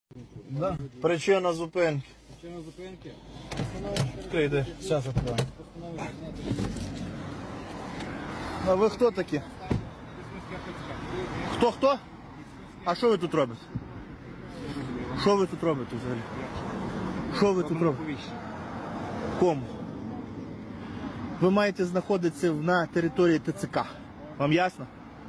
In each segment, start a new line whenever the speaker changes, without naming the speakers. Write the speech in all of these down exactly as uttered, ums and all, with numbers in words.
Да. Причина зупинки.
Причина зупинки.
Відкрийте. Зараз відкриваємо. А ви хто такі? Хто хто? А що ви тут робите? Що ви тут робите взагалі? Що ви тут робите? Кому? Ви маєте знаходитися на території ТЦК. Вам ясно?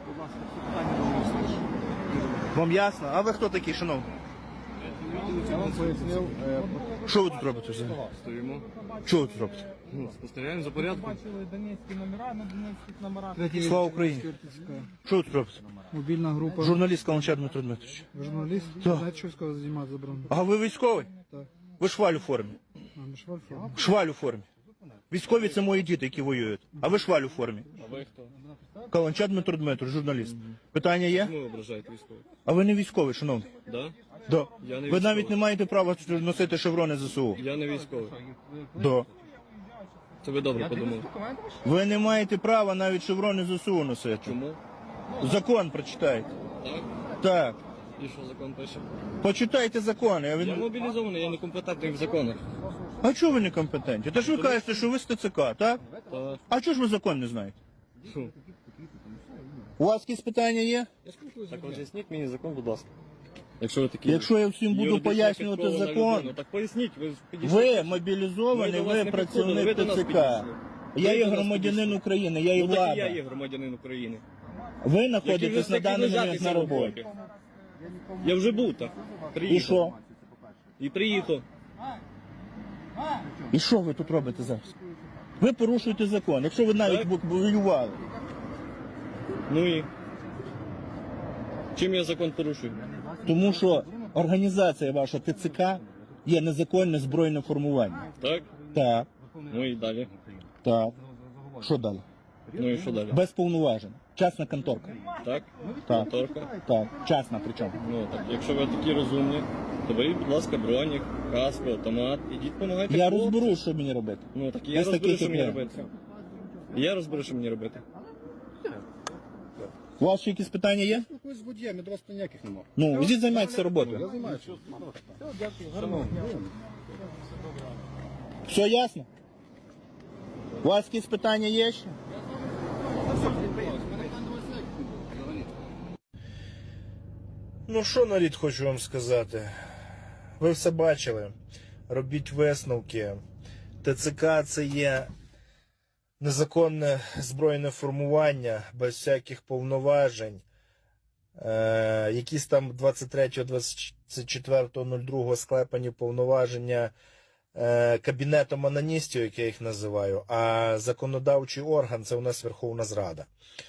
Вам ясно? А ви хто такий, шановний?
Я вам пояснив.
Що ви тут робите взагалі?
Стоїмо.
Що ви тут робите?
Ну, спостерігаємо за порядком.
Бачили донецькі номера на донецьких номерах.
Слава Україні! Що ви тут робите?
Мобільна група.
Журналіст Каланчар Дмитро Дмитрович.
Ви журналіст?
Так.
Знаєте, що військово займати заборонено?
А ви військовий?
Так.
Ви шваль у формі.
А, ми ж в Альфа.
Шваль у формі. Військові це мої діти, які воюють. А ви шваль у формі.
А ви хто?
Каланчар Дмитро Дмитрович, журналіст. Питання є?
Чому ви ображаєте військових?
А ви не військовий, шановний.
Да?
Да.
Я не
Ви
військовий.
навіть не маєте права носити шеврони ЗСУ.
Я не військовий.
Да.
Це ви добре подумали.
Ви не маєте права навіть шеврони ЗСУ носити.
Чому?
Закон прочитайте.
Так?
Так.
І що закон пише?
Почитайте закон. Я
Я
він...
мобілізований, я не компетентний в законах.
А чого ви не компетентні? Та ж ви кажете, що ви з ТЦК, так?
Так.
А чого ж ви закон не знаєте?
Фу.
У вас якісь питання є?
Так роз'ясніть мені закон, будь ласка. Якщо ви такі...
Якщо я всім буду
юридично
пояснювати
підкована
закон,
людина, так поясніть, ви ж підійшли.
ви
Ми
мобілізований,
до вас
ви
не
працівник
підходили, ви до нас
ТЦК.
підійшли.
Я
Ви
є
до нас
громадянин
підійшли.
України, я є
Ну так і я
влада.
є громадянин України.
Ви
Який
знаходитесь
ви
на даний момент
лежати
на
цього
роботі.
боку. Я вже був так. Приїхав.
І що?
І приїхав.
І що ви тут робите зараз? Ви порушуєте закон, якщо ви навіть
Так.
воювали.
Ну і? Чим я закон порушую?
Тому що організація ваша ТЦК є незаконне збройне формування.
Так?
Так,
Ну і далі.
так. Що далі?
Ну і що далі?
Без повноважень. Частна конторка.
Так?
Так.
Торка?
Так, частна причому.
Ну так, якщо ви такі розумні, то беріть, будь ласка, бронік, каску, автомат, ідіть допомагайте.
Я
хлопцям.
розберу, що мені робити.
Ну так і
Без
я розберу,
таких,
що
як
мені
я.
робити. Я розберу, що мені робити.
У вас ще якісь питання є?
Ось з водіями, до вас ніяких немає.
Ну, ідіть займайтеся роботою.
Я займаюся.
Все ясно? У вас якісь питання є ще? Ну що, нарід, хочу вам сказати. Ви все бачили. Робіть висновки. ТЦК це є незаконне збройне формування, без всяких повноважень. Е, якісь там двадцять третього двадцять четвертого другого склепані повноваження е, кабінетом аноністів, як я їх називаю, а законодавчий орган – це у нас Верховна Зрада.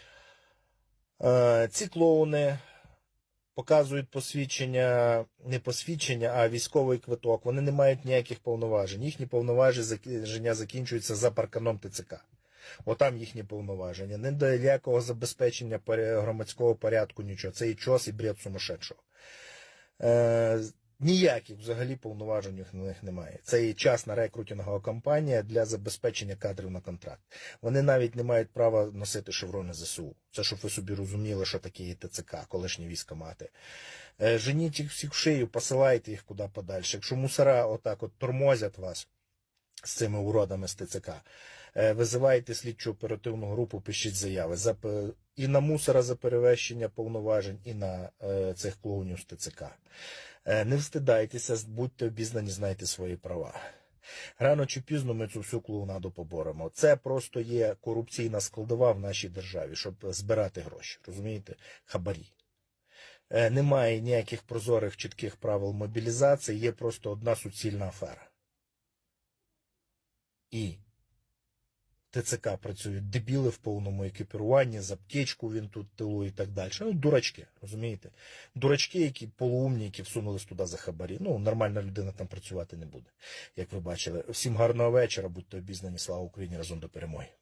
Е, ці клоуни показують посвідчення, не посвідчення, а військовий квиток. Вони не мають ніяких повноважень. Їхні повноваження закінчуються за парканом ТЦК. Отам їхні повноваження. Не до ніякого забезпечення громадського порядку, нічого. Це і чос, і бред сумасшедшого. Е, ніяких взагалі повноважень у них немає. Це і частна рекрутингова кампанія для забезпечення кадрів на контракт. Вони навіть не мають права носити шеврони ЗСУ. Це щоб ви собі розуміли, що таке є ТЦК, колишні військкомати. Е, женіть їх всіх в шию, посилайте їх куди подальше. Якщо мусора отак от тормозять вас з цими уродами з ТЦК, визивайте слідчу оперативну групу, пишіть заяви за, і на мусора за перевищення повноважень, і на е, цих клоунів з ТЦК. Е, не встидайтеся, будьте обізнані, знайте свої права. Рано чи пізно ми цю всю клоунаду поборемо. Це просто є корупційна складова в нашій державі, щоб збирати гроші, розумієте, хабарі. Е, немає ніяких прозорих, чітких правил мобілізації, є просто одна суцільна афера. І ТЦК працюють дебіли в повному екіпіруванні, з аптечку він тут тилу і так далі. Ну, дурачки, розумієте? Дурачки, які полуумні, які всунулись туди за хабарі. Ну, нормальна людина там працювати не буде, як ви бачили. Всім гарного вечора, будьте обізнані, слава Україні, разом до перемоги.